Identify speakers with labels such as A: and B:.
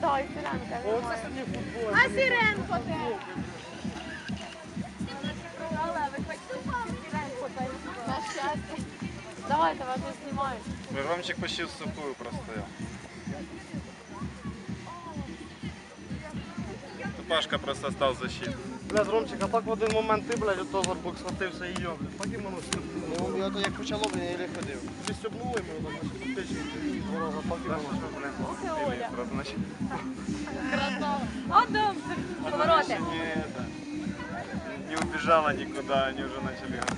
A: Да, і Сиренка.
B: О, це сьогодні футбол.
A: А Сиренко де? На щастя. Давайте, вас не знімають.
C: Ромчик почти в сухую простоял. Пашка просто стал защитой.
B: Блядь, Ромчик, а так в один момент ти, блядь, ото горбок схватився і йо, блядь. Так і воно стюбнуло.
D: Ну, я то як почало, блін, я не ходив.
B: Тобі стюбнуло і воно так на печі. Ворога, так і воно.
A: Ох і Оля.
C: Значит,
A: Красава. О, дом. Повороти.
C: не убежала никуда, они уже начали